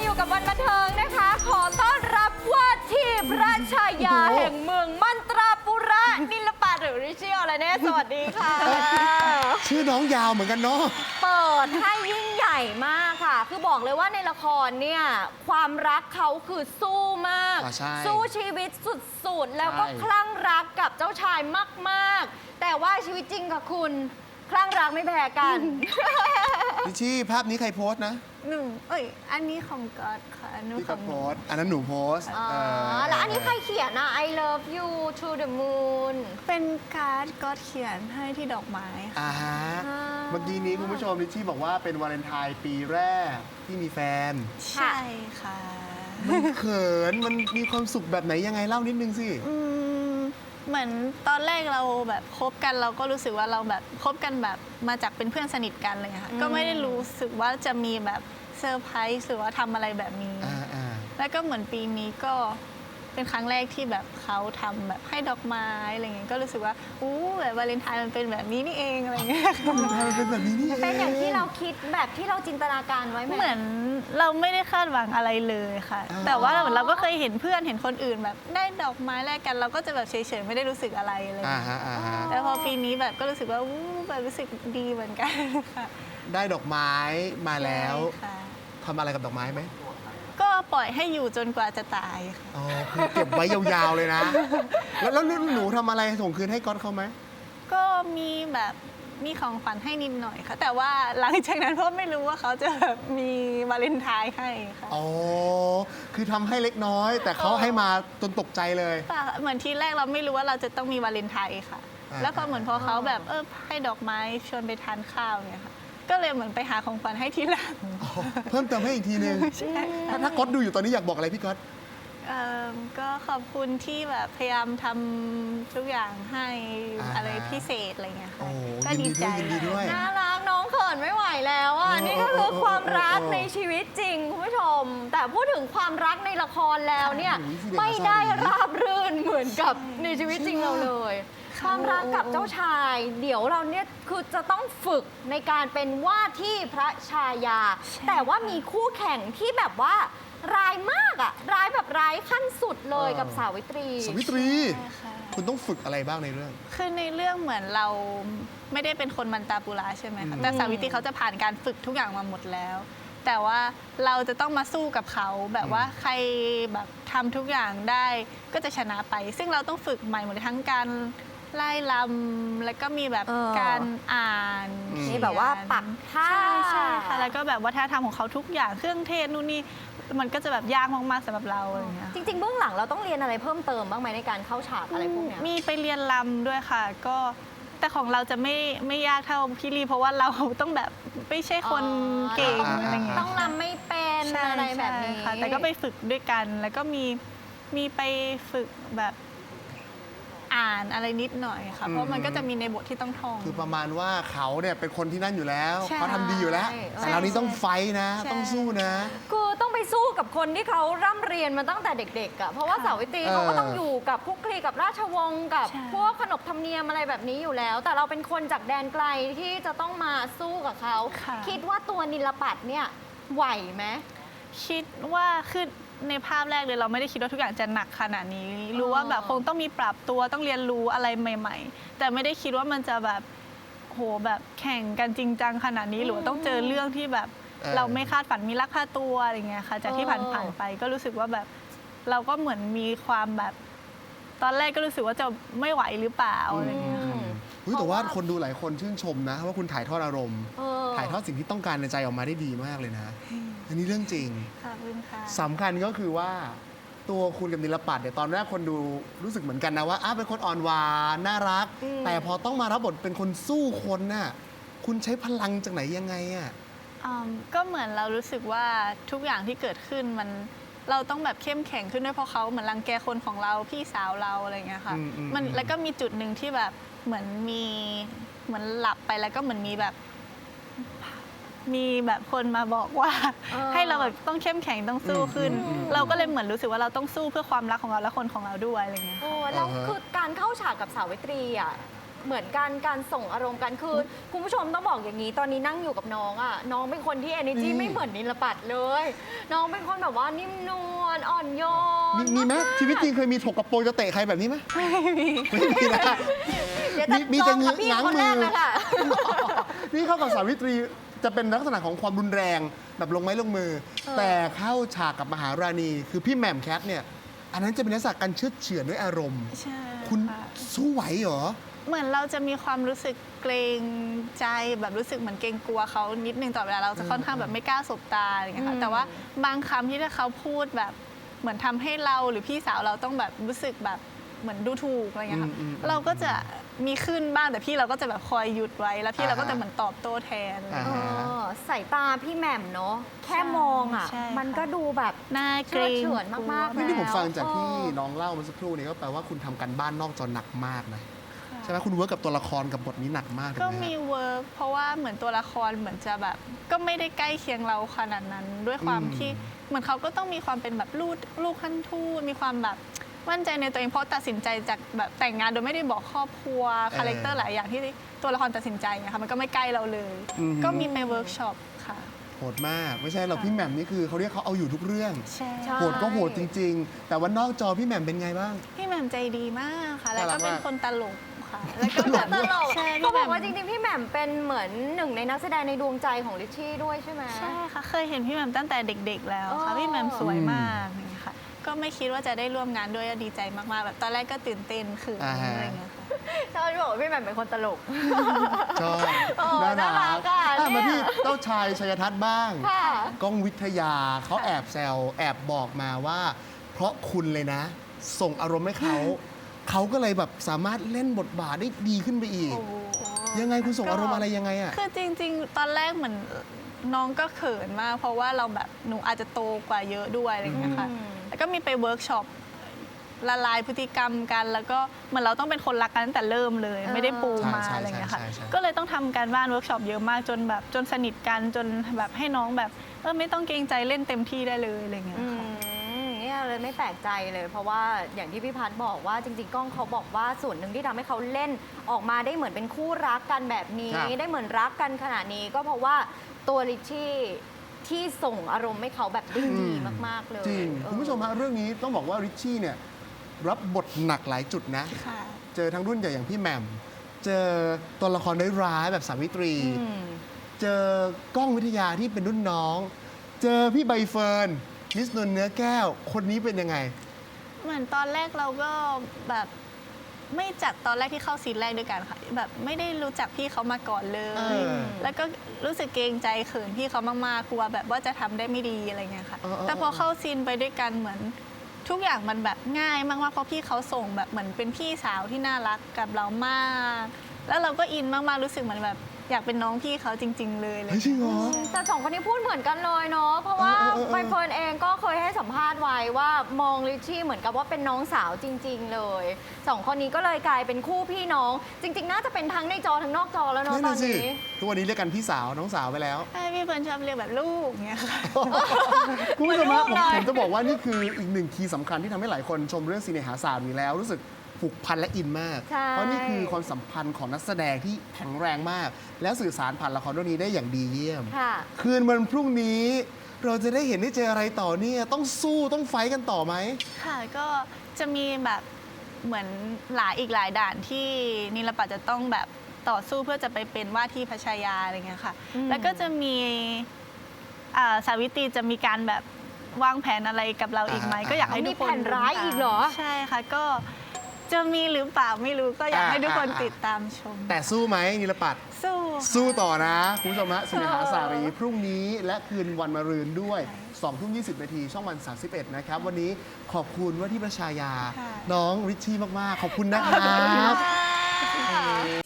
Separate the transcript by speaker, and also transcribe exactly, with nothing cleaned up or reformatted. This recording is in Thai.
Speaker 1: อยู่กับวันบันเทิงนะคะ ขอต้อนรับว่าที่พระชายาแห่งเมืองมันตราปุระนิลปาหรือริชิโออะไรเนี่ยสวัสดีค่ะ
Speaker 2: ชื่อน้องยาวเหมือนกันเนาะ
Speaker 1: เปิดให้ยิ่งใหญ่มากค่ะ คือบอกเลยว่าในละครเนี่ยความรักเขาคือสู้มาก
Speaker 2: อ่าใช่
Speaker 1: สู้ชีวิตสุดๆ แล้วก็
Speaker 2: ใช่
Speaker 1: คลั่งรักกับเจ้าชายมากๆ แต่ว่าชีวิตจริงค่ะคุณคลั่งรักไม่แพ้กัน
Speaker 2: ลิชชี่ภาพนี้ใครโพสต์นะ
Speaker 3: หนูเอ้ย อันนี้ของก๊อตค่ะหนู
Speaker 2: พี่
Speaker 3: ข
Speaker 2: ก็
Speaker 3: อง
Speaker 2: โพสต์อันนั้นหนูโพสต์
Speaker 1: อ๋อ
Speaker 2: เออ
Speaker 1: แล้วอันนี้ใครเขียนอ่ะ I love you to the moon
Speaker 3: เป็นการ์ดก๊อตเขียนให้ที่ดอกไม้ค่ะ
Speaker 2: อ่าฮะ
Speaker 1: อ่า
Speaker 2: เมื่อกี้นี้คุณผู้ชมลิชชี่บอกว่าเป็นวาเลนไทน์ปีแรกที่มีแฟน
Speaker 3: ใช่ค่ะ
Speaker 2: มันเขินมันมีความสุขแบบไหนยังไงเล่านิดนึงสิ
Speaker 3: อืมเหมือนตอนแรกเราแบบคบกันเราก็รู้สึกว่าเราแบบคบกันแบบมาจากเป็นเพื่อนสนิทกันเลยค่ะ
Speaker 1: อืม
Speaker 3: ก็ไม่ได้รู้สึกว่าจะมีแบบเซอร์ไพรส์หรือว่าทำอะไรแบบนี้
Speaker 2: อ่าอ่า
Speaker 3: แล้วก็เหมือนปีนี้ก็เป็นครั้งแรกที่แบบเขาทำแบบให้ดอกไม้อะไรเงี้ยก็รู้สึกว่าอู้แบบวาเลนไทน์มันเป็นแบบนี้นี่เองอะไรเงี้ย
Speaker 2: วาเลนไทน์มันเป็นแบบนี้นี่เอง
Speaker 1: เป็นอย่างที่เราคิดแบบที่เราจินตนาการไว้ไหม
Speaker 3: เหมือนเราไม่ได้คาดหวังอะไรเลยค่ะ
Speaker 2: อ่า
Speaker 3: แต่ว่าเหมือนเราก็เคยเห็นเพื่อนเห็นคนอื่นแบบได้ดอกไม้แลกกันเราก็จะแบบเฉยๆไม่ได้รู้สึกอะไรเลย
Speaker 2: อ่าฮะอ่าฮะ
Speaker 3: แต่พอปีนี้แบบก็รู้สึกว่าอู้แบบรู้สึกดีเหมือนกันค่ะ
Speaker 2: ได้ดอกไม้มาแล้ว
Speaker 3: ใช่ค่ะ
Speaker 2: ทำอะไรกับดอกไม้ไหม
Speaker 3: ก็ปล่อยให้อยู่จนกว่าจะตายค่ะ
Speaker 2: อ๋อคือเก็บไว้ยาวๆเลยนะ แล้วแล้วหนูทำอะไรส่งคืนให้ก๊อตเขาไหม
Speaker 3: ก็มีแบบมีของขวัญให้นิดหน่อยค่ะ แต่ว่าหลังจากนั้นเพราะไม่รู้ว่าเขาจะแบบมีวาเลนไทน์ให้ค่ะ
Speaker 2: อ๋อ คือทำให้เล็กน้อย แต่เขาให้มาจนตกใจเลย
Speaker 3: ป่ะเหมือนทีแรกเราไม่รู้ว่าเราจะต้องมีวาเลนไทน์ค่ะ
Speaker 2: อ่า
Speaker 3: แล้วพอเหมือนพอเขาแบบเออให้ดอกไม้ชวนไปทานข้าวเนี่ยค่ะ ก็เลยเหมือนไปหาของขวัญให้ทีหลัง
Speaker 2: อ๋อเพิ่มเติมให้อีกทีนึง
Speaker 3: ใช่
Speaker 2: ถ้าถ้าก๊อตดูอยู่ตอนนี้อยากบอกอะไรพี่ก๊อต
Speaker 3: เอิ่มก็ขอบคุณที่แบบพยายามทำทุกอย่างให้
Speaker 2: อ่า
Speaker 3: อะไรพิเศษอะไรเงี้ย
Speaker 2: โอ้
Speaker 3: ค่ะ
Speaker 2: ยิ
Speaker 3: ก็
Speaker 2: น
Speaker 3: ดี
Speaker 2: ดี
Speaker 3: ใจ
Speaker 2: ด้วยยินดีด้วย
Speaker 1: น่ารักน้องเขินไม่ไหวแล้วอ่ะ
Speaker 2: เออ
Speaker 1: นี่ก็คือความรัก
Speaker 2: เออเออเออ
Speaker 1: ในชีวิตจริงคุณผู้ชม แต่พูดถึงความรักในละครแล้วเนี่ย
Speaker 2: โอ้ยพี่เด็ก
Speaker 1: ไม่ได้
Speaker 2: อาซาดี
Speaker 1: ราบรื่นเหมือนกับในชีวิตจริงเราเลย ความรักกับเจ้าชาย เดี๋ยวเราเนี่ยคือจะต้องฝึกในการเป็นว่าที่พระชายา แต่ว่ามีคู่แข่งที่แบบว่าร้ายมากอะร้ายแบบร้ายขั้นสุดเลย
Speaker 2: เออ
Speaker 1: กับสาวิตรี
Speaker 2: สวิตรี
Speaker 3: ใช่ค่ะ
Speaker 2: คุณต้องฝึกอะไรบ้างในเรื่อง
Speaker 3: คือในเรื่องเหมือนเราไม่ได้เป็นคนมันตาปุระใช่ไหม
Speaker 2: อื
Speaker 3: คะ
Speaker 2: ม
Speaker 3: แต่สาวิตรีเขาจะผ่านการฝึกทุกอย่างมาหมดแล้ว แต่ว่าเราจะต้องมาสู้กับเขาแบบว่าใครแบบทำทุกอย่างได้ก็จะชนะไป ซึ่งเราต้องฝึกใหม่หมดเลยทั้งการไล่ลำแล้วก็มีแบบ
Speaker 1: เออ
Speaker 3: การอ่าน
Speaker 2: อืม
Speaker 1: นี่แบบว่าปักท่า
Speaker 3: ใช่ใช่ค่ะแล้วก็แบบวัฒนธรรมของเขาทุกอย่างเครื่องเทศนู่นนี่มันก็จะแบบยากมากๆสำหรับเราอะไรอย่างเงี้ย
Speaker 1: จริงๆเบื้องหลังเราต้องเรียนอะไรเพิ่มเติมบ้างไหมในการเข้าฉากอะไรพวกเนี้ย
Speaker 3: มีไปเรียนรำด้วยค่ะ ก็แต่ของเราจะไม่ไม่ยากเท่าพี่ลีเพราะว่าเราต้องแบบไม่ใช่คนเก่ง
Speaker 1: อ๋อ
Speaker 3: อะไรเงี้ย
Speaker 1: ต้องรำไม่เป็น
Speaker 3: ใช่
Speaker 1: อะไรแบบนี้
Speaker 3: ใช่ค่ะ แต่ก็ไปฝึกด้วยกัน แล้วก็มีมีไปฝึกแบบอ่านอะไรนิดหน่อยค่ะ เพราะมันก็จะมีในบทที่ต้องท่อง
Speaker 2: คือประมาณว่าเขาเนี่ยเป็นคนที่นั่นอยู่แล้ว
Speaker 3: ใช่
Speaker 2: เขาทำดีอยู่แล้ว
Speaker 1: ใช่
Speaker 2: แต่เรานี่ต้องไฟท์นะ
Speaker 3: ใช่
Speaker 2: ต้องสู้นะ
Speaker 1: คือต้องไปสู้กับคนที่เขาร่ำเรียนมาตั้งแต่เด็กๆอ่ะเพราะว่า
Speaker 3: ค่ะ
Speaker 1: สาวิตรี
Speaker 2: เออ
Speaker 1: เขาก็ต้องอยู่กับคลุกคลีกับราชวงศ์กับ
Speaker 3: ใช่
Speaker 1: พวกขนบธรรมเนียมอะไรแบบนี้อยู่แล้ว แต่เราเป็นคนจากแดนไกลที่จะต้องมาสู้กับเขา
Speaker 3: ค่ะ
Speaker 1: คิดว่าตัวนิลปัตเนี่ยไหวไหม
Speaker 3: คิดว่าคือในภาพแรกเลยเราไม่ได้คิดว่าทุกอย่างจะหนักขนาดนี้ รู้ว่าแบบคงต้องมีปรับตัวต้องเรียนรู้อะไรใหม่ ๆ แต่ไม่ได้คิดว่ามันจะแบบโหแบบแข่งกันจริงจังขนาดนี้หรือว่าต้องเจอเรื่องที่แบบ
Speaker 2: เออ
Speaker 3: เราไม่คาดฝันมีลักพาตัวอะไรเงี้ยค่ะจากที่
Speaker 1: เออ
Speaker 3: ผ่านๆไปก็รู้สึกว่าแบบเราก็เหมือนมีความแบบ ตอนแรกก็รู้สึกว่าจะไม่ไหวหรือเปล่าอะไรเงี้ยค่ะ
Speaker 2: เฮ้ยแต่ว่าคนดูหลายคนชื่นชมนะว่าคุณถ่ายทอดอารมณ์
Speaker 1: เออ
Speaker 2: ถ่ายทอดสิ่งที่ต้องการในใจออกมาได้ดีมากเลยนะ อันนี้เรื่องจริง
Speaker 3: ขอบคุณค่ะ
Speaker 2: สำคัญก็คือว่าตัวคุณกับนิลปัตเนี่ยตอนแรกคนดูรู้สึกเหมือนกันนะว่าอ้าวเป็นคนอ่อนหวานน่ารัก
Speaker 1: อืม
Speaker 2: แต่พอต้องมารับบทเป็นคนสู้คนน่ะคุณใช้พลังจากไหนยังไงอ่ะ
Speaker 3: อืมก็เหมือนเรารู้สึกว่าทุกอย่างที่เกิดขึ้นมันเราต้องแบบเข้มแข็งขึ้นด้วยเพราะเขาเหมือนรังแกคนของเราพี่สาวเราอะไรอย่างเงี้ยค่ะ
Speaker 2: อืมอืม
Speaker 3: มัน
Speaker 2: อืม
Speaker 3: แล้วก็มีจุดหนึ่งที่แบบเหมือนมีเหมือนหลับไปแล้วก็เหมือนมีแบบ มีแบบคนมาบอกว่า
Speaker 1: เออ
Speaker 3: ให้เราแบบต้องเข้มแข็งต้องสู้ขึ้น
Speaker 2: อืมอืมอืม
Speaker 3: เราก็เลยเหมือนรู้สึกว่าเราต้องสู้เพื่อความรักของเราและคนของเราด้วยอะไรเงี้ย
Speaker 1: โอ้แล้ว
Speaker 2: อ่าฮะ
Speaker 1: คือการเข้าฉากกับสาวิตรีอ่ะเหมือนกันการส่งอารมณ์กันคือคุณผู้ชมต้องบอกอย่างนี้ ตอนนี้นั่งอยู่กับน้องอ่ะน้องเป็นคนที่ energy
Speaker 2: อืม
Speaker 1: ไม่เหมือนนิลปัตเลย น้องเป็นคนแบบว่านิ่มนวลอ่อนโย
Speaker 2: มี
Speaker 1: น
Speaker 2: มีไหม
Speaker 1: ากๆ
Speaker 2: ชีวิตจริงเคยมีถกกระโปรงจะเตะใครแบบนี้ไหม
Speaker 3: ไม่มี
Speaker 2: ไม่มีนะ
Speaker 1: เดี๋ยวจะ
Speaker 2: มีมีแต่
Speaker 1: ลองกับพี่
Speaker 2: ง้าง
Speaker 1: คน
Speaker 2: มื
Speaker 1: แร
Speaker 2: อ
Speaker 1: กเลยค่ะ
Speaker 2: นี่เข้ากับสาวิตรีจะเป็นลักษณะของความรุนแรงแบบลงไม้ลงมือ
Speaker 1: เออ
Speaker 2: แต่เข้าฉากกับมหาราณี คือพี่แหม่มแคทเนี่ย อันนั้นจะเป็นลักษณะการเชื่อดเฉือนด้วยอารมณ์
Speaker 3: ใช่
Speaker 2: คุณ
Speaker 3: ค่ะ
Speaker 2: สู้ไหวเหรอ
Speaker 3: เหมือนเราจะมีความรู้สึกเกรงใจแบบรู้สึกเหมือนเกรงกลัวเขานิดนึงตลอดเวลาเราจะค่อนข้างแบบไม่กล้าสบตาอะไรอย่างเงี้ย
Speaker 1: อื
Speaker 3: ค่ะ
Speaker 1: ม
Speaker 3: แต่ว่าบางคำที่ถ้าเขาพูดแบบเหมือนทำให้เราหรือพี่สาวเราต้องแบบรู้สึกแบบเหมือนดูถูกอะไรเงี้ยค่ะ
Speaker 2: อืมอืมอืม
Speaker 3: เราก็จะมีขึ้นบ้างแต่พี่เราก็จะแบบคอยหยุดไว้แล้วพี่เราก็
Speaker 2: อ่าฮะ
Speaker 3: จะเหมือนตอบโต้แทน
Speaker 2: อ่า
Speaker 1: เออสายตาพี่แหม่มเนาะแค่มองอ่ะ
Speaker 3: ใช่
Speaker 1: มัน
Speaker 3: ค่ะ
Speaker 1: ก็ดูแบบ
Speaker 3: หน้าเกร
Speaker 1: เชื่
Speaker 3: ง
Speaker 1: อเฉือนมากๆ
Speaker 2: นี่ที่ผมฟังจากที่
Speaker 1: เออ
Speaker 2: น้องเล่าเมื่อสักครู่นี้ก็แปลว่าคุณทำกันบ้านนอกจอหนักมากนะ
Speaker 3: ค่ะ
Speaker 2: ใช่ไหมคุณเวิร์กกับตัวละครกับบทนี้หนักมากถู
Speaker 3: ก็
Speaker 2: ไห
Speaker 3: มี
Speaker 2: ฮะ
Speaker 3: เวิร์กเพราะว่าเหมือนตัวละครเหมือนจะแบบ ก็ไม่ได้ใกล้เคียงเราขนาดนั้น ด้วยความ
Speaker 2: อืม
Speaker 3: ที่เหมือนเขาก็ต้องมีความเป็นแบบลูกลูกขั้นทูตมีความแบบมั่นใจในตัวเองเพราะตัดสินใจจากแบบแต่งงานโดยไม่ได้บอกครอบครัวคาแรคเตอร์หลายอย่างที่ตัวละครตัดสินใจนะคะมันก็ไม่ใกล้เราเลย
Speaker 2: อือฮึ
Speaker 3: ก็มีไปเวิร์กช็อปค่ะ
Speaker 2: โหดมาก ไม่ใช่เราพี่แหม่มนี่คือเขาเรียกเขาเอาอยู่ทุกเรื่อง
Speaker 3: ใช่
Speaker 1: ใช่
Speaker 2: โหดก็โหดจริง ๆ แต่ว่านอกจอพี่แหม่มเป็นไงบ้าง
Speaker 3: พี่แหม่มใจดีมากค่ะ แล้ว
Speaker 2: น่ารั
Speaker 3: ก็
Speaker 2: ก
Speaker 3: เป็น
Speaker 2: มาก
Speaker 3: คนตลกค่ะแล้วก็แบบ
Speaker 1: ตลก
Speaker 3: ใช่
Speaker 1: เขา
Speaker 3: พี่
Speaker 1: บ
Speaker 3: แหม่ม
Speaker 1: อกว่าจริงๆ พี่แหม่มเป็นเหมือนหนึ่งในนักแสดงในดวงใจของลิชชี่ด้วยใช่ไหม
Speaker 3: ใช่ค่ะ เคยเห็นพี่แหม่มตั้งแต่เด็กๆแล้วค่ะ
Speaker 1: อ๋อ
Speaker 3: พี่แหม่มสวยมากอย่างเงี้ยค่ะ ก็ไม่คิดว่าจะได้ร่วมงานด้วยก็ดีใจมากๆ แบบตอนแรกก็ตื่นเต้นเขิน
Speaker 2: อ่าฮะ
Speaker 3: อะไรเงี้ยค่ะ
Speaker 1: ชอบที่บอกว่าพี่แหม่มเป็นคนตลก
Speaker 2: ชอบ
Speaker 1: โอ้น่ารักอ่ะ
Speaker 2: อ่ะมา
Speaker 1: เนี่
Speaker 2: ที่
Speaker 1: ย
Speaker 2: เจ้าชายชัยทัศน์บ้าง
Speaker 1: ค่ะ
Speaker 2: ก้องวิทยาเขาแอบแซวแอบบอกมาว่า เพราะคุณเลยนะ ส่งอารมณ์ให้เขา เขาก็เลยแบบสามารถเล่นบทบาทได้ดีขึ้นไปอีก
Speaker 3: โอ้โห
Speaker 2: ยังไงคุณส่งอารมณ์อะไรยังไงอ่ะ
Speaker 3: คือจริงๆ ตอนแรกเหมือนน้องก็เขินมาก เพราะว่าเราแบบหนูอาจจะโตกว่าเยอะด้วยอะไรอย่างเงี้ยค่ะ
Speaker 1: อืม
Speaker 3: แล้วก็มีไปเวิร์กช็อปละลายพฤติกรรมกัน แล้วก็เหมือนเราต้องเป็นคนรักกันตั้งแต่เริ่มเลย
Speaker 1: เออ
Speaker 3: ไม่ได้ปูมา
Speaker 2: ใช่ใช่
Speaker 3: อะไรอย่างเงี้ยค่ะ
Speaker 2: ใช่ใช่
Speaker 3: ก็เลยต้องทำการบ้านเวิร์กช็อปเยอะมากจนแบบจนสนิทกันจนแบบให้น้องแบบเออไม่ต้องเกรงใจเล่นเต็มที่ได้เลยอะไรอย่างเงี้ย
Speaker 1: อื
Speaker 3: ค่ะ
Speaker 1: มเนี่ยเลยไม่แปลกใจเลย เพราะว่าอย่างที่พี่พัฒน์บอกว่าจริงๆ ก้องเขาบอกว่าส่วนหนึ่งที่ทำให้เขาเล่นออกมาได้เหมือนเป็นคู่รักกันแบบนี้
Speaker 2: ครับ
Speaker 1: ได้เหมือนรักกันขนาดนี้ ก็เพราะว่าตัวลิชชี่ที่ส่งอารมณ์ให้เขาแบบได้ดีมากๆเลย
Speaker 2: จริง
Speaker 1: เออ
Speaker 2: คุณผู้ชมฮะเรื่องนี้ต้องบอกว่าริชชี่เนี่ยรับบทหนักหลายจุดนะ
Speaker 3: ค่ะ
Speaker 2: เจอทั้งรุ่นใหญ่อย่างพี่แหม่ม เจอตัวละครร้ายๆแบบสาวิตรี
Speaker 1: อืม
Speaker 2: เจอกล้องวิทยาที่เป็นรุ่นน้อง เจอพี่ใบเฟิร์นมิสนนท์เนื้อแก้ว คนนี้เป็นยังไง
Speaker 3: เหมือนตอนแรกเราก็แบบไม่จัดตอนแรกที่เข้าซีนแรกด้วยกันค่ะ แบบไม่ได้รู้จักพี่เขามาก่อนเลย
Speaker 2: เออ
Speaker 3: แล้วก็รู้สึกเกรงใจเขินพี่เขามากๆกลัวแบบว่าจะทำได้ไม่ดีอะไรเงี้ยค่ะ
Speaker 2: เออเออ
Speaker 3: แต่พอเข้าซีนไปด้วยกันเหมือนทุกอย่างมันแบบง่ายมากๆเพราะพี่เขาส่งแบบเหมือนเป็นพี่สาวที่น่ารักกับเรามาก แล้วเราก็อินมากๆรู้สึกเหมือนแบบอยากเป็นน้องพี่เขาจริง ๆ เลยอะไร
Speaker 2: เฮ้ยจริงเหรอ
Speaker 1: แต่สองคนนี้พูดเหมือนกันเลยเนาะ เพราะว่า
Speaker 2: เออเออเออ
Speaker 1: ใบเฟิร์นเองก็เคยให้สัมภาษณ์ไว้ว่ามองลิชชี่เหมือนกับว่าเป็นน้องสาวจริง ๆ เลยสองคนนี้ก็เลยกลายเป็นคู่พี่น้อง จริง ๆ น่าจะเป็นทั้งในจอทั้งนอกจอแล้วเนาะ
Speaker 2: นั่น
Speaker 1: ตอ
Speaker 2: น่ะ
Speaker 1: น
Speaker 2: สิ
Speaker 1: นี้
Speaker 2: ทุกวันนี้เรียกกันพี่สาวน้องสาวไปแล้ว
Speaker 3: ใช่พี่เฟิร์นชอบเรียกแบบลูกเงี้ยค่ะ
Speaker 2: คุณผู้ชมฮะ
Speaker 1: เหมื
Speaker 2: ผ
Speaker 1: อน
Speaker 2: ม
Speaker 1: ลูกเลย
Speaker 2: ผมจะบอกว่านี่คืออีกหนึ่งคีย์สำคัญที่ทำให้หลายคนชมเรื่องซีเนหาศาสตร์อยู่แล้ว รู้สึกผูกพันและอินมาก
Speaker 1: ใช่
Speaker 2: เพราะนี่คือความสัมพันธ์ของนักแสดงที่แข็งแรงมาก และสื่อสารผ่านละครเรื่องนี้ได้อย่างดีเยี่ยม
Speaker 1: ค่ะ
Speaker 2: คืนวันพรุ่งนี้ เราจะได้เห็นได้เจออะไรต่อเนี่ยต้องสู้ต้องไฟท์กันต่อไหม
Speaker 3: ค่ะก็จะมีแบบเหมือนหลายอีกหลายด่านที่นิลปัตจะต้องแบบต่อสู้เพื่อจะไปเป็นว่าที่พระชายาอะไรเงี้ยค่ะ
Speaker 1: อืม
Speaker 3: แล้วก็จะมีอ่าสาวิตรีจะมีการแบบวางแผนอะไรกับเราอีกไหม
Speaker 2: อ่า
Speaker 3: ก็อยากให้
Speaker 1: มี
Speaker 3: ทุกคน
Speaker 1: แผนร้ายอีกเหรอ
Speaker 3: ใช่ค่ะก็จะมีหรือเปล่าไม่รู้ก็อยากให้ทุกคน
Speaker 2: อ่า
Speaker 3: ติดตามชม
Speaker 2: แต่สู้ไหมนิลปัต
Speaker 3: สู้
Speaker 2: สู้ต่อนะคุณผู้ชมฮะสินหาสารีพรุ่งนี้และคืนวันมะรืนด้วยสองทุ่มยี่สิบนาทีช่องวันสามสิบเอ็ดนะครับ วันนี้ขอบคุณว่าที่ประชายา
Speaker 3: ค่ะ
Speaker 2: น้องริชชี่มาก ๆ ขอบคุณนะครับ